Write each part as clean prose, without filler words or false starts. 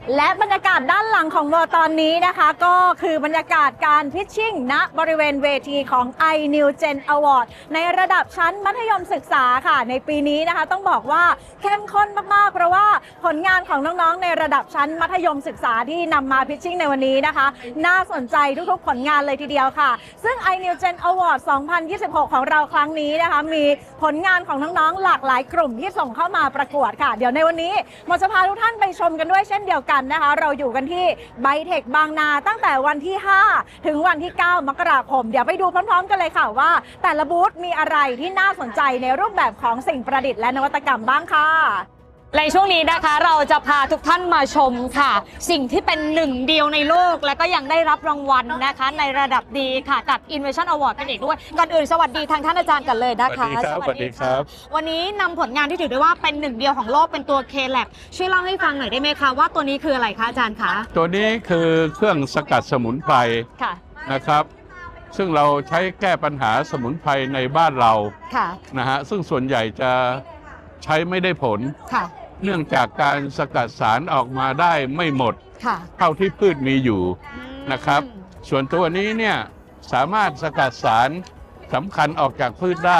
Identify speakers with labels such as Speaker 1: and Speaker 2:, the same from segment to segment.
Speaker 1: และบรรยากาศด้านหลังของโบตอนนี้นะคะก็คือบรรยากาศการพิชชิ่งณบริเวณเวทีของ iNew Gen Award ในระดับชั้นมัธยมศึกษาค่ะในปีนี้นะคะต้องบอกว่าเข้มข้นมากๆเพราะว่าผลงานของน้องๆในระดับชั้นมัธยมศึกษาที่นำมาพิชชิ่งในวันนี้นะคะน่าสนใจทุกๆผลงานเลยทีเดียวค่ะซึ่ง iNew Gen Award 2026 ของเราครั้งนี้นะคะมีผลงานของน้องๆหลากหลายกลุ่มที่ส่งเข้ามาประกวดค่ะเดี๋ยวในวันนี้หมอจะพาทุกท่านไปชมกันด้วยเช่นเดียวกันนะคะเราอยู่กันที่ไบเทคบางนาตั้งแต่วันที่ 5 ถึงวันที่ 9 มกราคมเดี๋ยวไปดูพร้อมๆกันเลยค่ะว่าแต่ละบูธมีอะไรที่น่าสนใจในรูปแบบของสิ่งประดิษฐ์และนวัตกรรมบ้างค่ะ
Speaker 2: ในช่วงนี้นะคะเราจะพาทุกท่านมาชมค่ะสิ่งที่เป็นหนึ่งเดียวในโลกและก็ยังได้รับรางวัลนะคะในระดับดีค่ะจาก Innovation Award กันอีกด้วยก่อนอื่นสวัสดีทางท่านอาจารย์กันเลยนะคะ
Speaker 3: สวัสดีครับ
Speaker 2: วันนี้นำผลงานที่ถือได้ว่าเป็นหนึ่งเดียวของโลกเป็นตัว K-Lab ช่วยเล่าให้ฟังหน่อยได้ไหมคะว่าตัวนี้คืออะไรคะอาจารย์คะ
Speaker 3: ตัวนี้คือเครื่องสกัดสมุนไพรนะครับซึ่งเราใช้แก้ปัญหาสมุนไพรในบ้านเรานะฮะซึ่งส่วนใหญ่จะใช้ไม่ได้ผลเนื่องจากการสกัดสารออกมาได้ไม่หมดเท่าที่พืชมีอยู่นะครับส่วนตัวนี้เนี่ยสามารถสกัดสารสำคัญออกจากพืชได้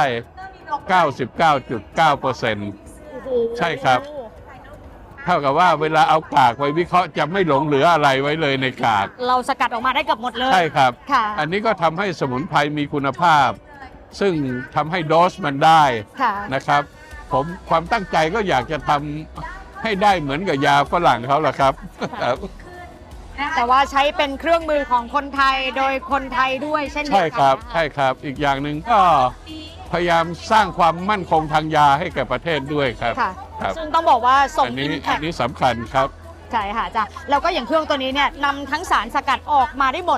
Speaker 3: 99.9% ใช่ครับเท่ากับว่าเวลาเอากากไปวิเคราะห์จะไม่หลงเหลืออะไรไว้เลยในกาก
Speaker 2: เราสกัดออกมาได้เกือบหมดเลย
Speaker 3: ใช่ครับอันนี้ก็ทำให้สมุนไพรมีคุณภาพซึ่งทำให้โดสมันได้นะครับผมความตั้งใจก็อยากจะทำให้ได้เหมือนกับยาฝรั่งเขาแหละครับ
Speaker 2: แต่ว่าใช้เป็นเครื่องมือของคนไทยโดยคนไทยด้วยเช่นเดียวกัน
Speaker 3: ใช่ครับใช่ครับอีกอย่างหนึ่งก็พยายามสร้างความมั่นคงทางยาให้แก่ประเทศด้วยครับ
Speaker 2: ซึ่งต้องบอกว่าส่ง
Speaker 3: อันนี้สำคัญครับ
Speaker 2: ใช่ค่ะจ้ะแล้วก็อย่างเครื่องตัวนี้เนี่ยนำทั้งสารสกัดออกมาได้หมด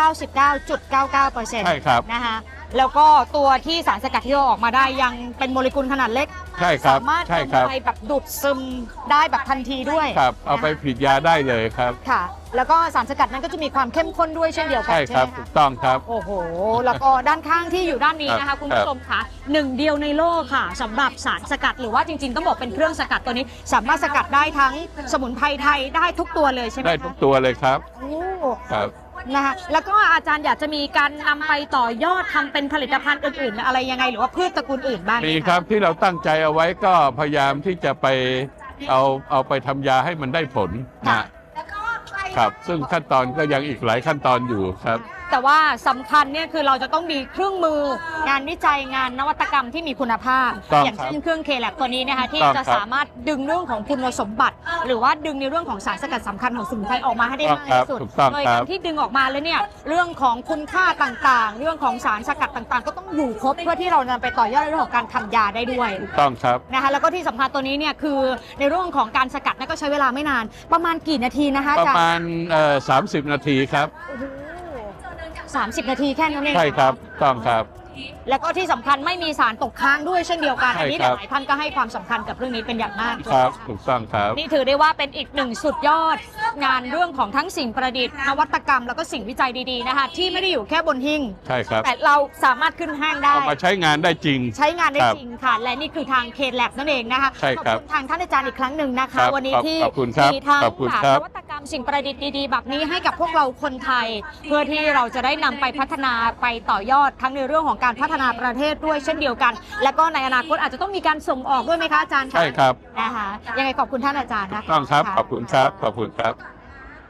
Speaker 2: 99.99%
Speaker 3: ใช่ครับ
Speaker 2: นะคะแล้วก็ตัวที่สารสกัดที่เราออกมาได้ยังเป็นโมเลกุลขนาดเล็ก
Speaker 3: ใช่ครับ
Speaker 2: สามารถทำอะไรแบบดูดซึมได้แบบทันทีด้วย
Speaker 3: ครับเอาไปผลิตยาได้เลยครับ
Speaker 2: ค่ะแล้วก็สารสกัดนั้นก็จะมีความเข้มข้นด้วยเช่นเดียวกัน
Speaker 3: ใช่ครับถูกต้องครับ
Speaker 2: โอ้โหแล้วก็ด้านข้างที่อยู่ด้านนี้นะคะคุณผู้ชมค่ะหนึ่งเดียวในโลกค่ะสำหรับสารสกัดหรือว่าจริงๆต้องบอกเป็นเครื่องสกัดตัวนี้สามารถสกัดได้ทั้งสมุนไพรไทยได้ทุกตัวเลยใช่ไหม
Speaker 3: ได้ทุกตัวเลยครับ
Speaker 2: โอ้ครับนะคะแล้วก็อาจารย์อยากจะมีการนำไปต่อยอดทำเป็นผลิตภัณฑ์อื่นๆอะไรยังไงหรือว่าพืชตระกูลอื่นบ้าง
Speaker 3: มีครับที่เราตั้งใจเอาไว้ก็พยายามที่จะไปเอาไปทำยาให้มันได้ผลนะครับซึ่งขั้นตอนก็ยังอีกหลายขั้นตอนอยู่ครับ
Speaker 2: แต่ว่าสำคัญเนี่ยคือเราจะต้องมีเครื่องมืองานวิจัยงานนวัตกรรมที่มีคุณภาพอย่างเช่นเครื่อง K-Lab ตัวนี้นะคะที่จะสามารถดึงเรื่องของคุณสมบัติหรือว่าดึงในเรื่องของสารสกัดสำคัญของสมุนไพรออกมาให้ได้มากที่สุดโดยการที่ดึงออกมาแล้วเนี่ยเรื่องของคุณค่าต่างๆเรื่องของสารสกัดต่างๆก็ต้องอยู่ครบเพื่อที่เรานำไปต่อยอดในเรื่องของการทำยาได้ด้วย
Speaker 3: ถูกต้องครับ
Speaker 2: นะคะแล้วก็ที่สำคัญตัวนี้เนี่ยคือในเรื่องของการสกัดก็ใช้เวลาไม่นานประมาณกี่นาทีนะคะ
Speaker 3: ประมาณ30 นาทีครับ
Speaker 2: 30 นาทีแค่นั้นเอง
Speaker 3: ใช่ครับต้องครับ
Speaker 2: แล้วก็ที่สำคัญไม่มีสารตกค้างด้วยเช่นเดียวกันอันนี้หลายท่านก็ให้ความสำคัญกับเรื่องนี้เป็นอย่างมาก
Speaker 3: ครับถูกต้องครับ
Speaker 2: นี่ถือได้ว่าเป็นอีกหนึ่งสุดยอดงานเรื่องของทั้งสิ่งประดิษฐ์นวัตกรรมแล้วก็สิ่งวิจัยดีๆนะคะที่ไม่ได้อยู่แค่บนหิ้ง
Speaker 3: ใช่ครับ
Speaker 2: แต่เราสามารถขึ้นห้างได้
Speaker 3: เอามาใช้งานได้จริง
Speaker 2: ใช้งานได้จริงค่ะและนี่คือทางK-Labนั่นเองนะคะ
Speaker 3: ใช่ครับ
Speaker 2: ขอบคุณทางท่านอาจารย์อีกครั้งหนึ่งนะคะวันนี้ที่
Speaker 3: มี
Speaker 2: ทางนวัตกรรมสิ่งประดิษฐ์ดีๆแบบนี้ให้กับพวกเราคนไทยเพื่อที่เราจะได้นำไปพัฒนาไปต่อยอดทั้งในเรื่องของการพัฒนาประเทศด้วยเช่นเดียวกันและก็ในอนาคตอาจจะต้องมีการส่งออกด้วยไหมคะอาจารย์
Speaker 3: ใช่ครับ
Speaker 2: นะคะยังไงขอบคุณท่านอาจารย์นะคะ
Speaker 3: ต้องครับขอบคุณครับขอบคุณครับ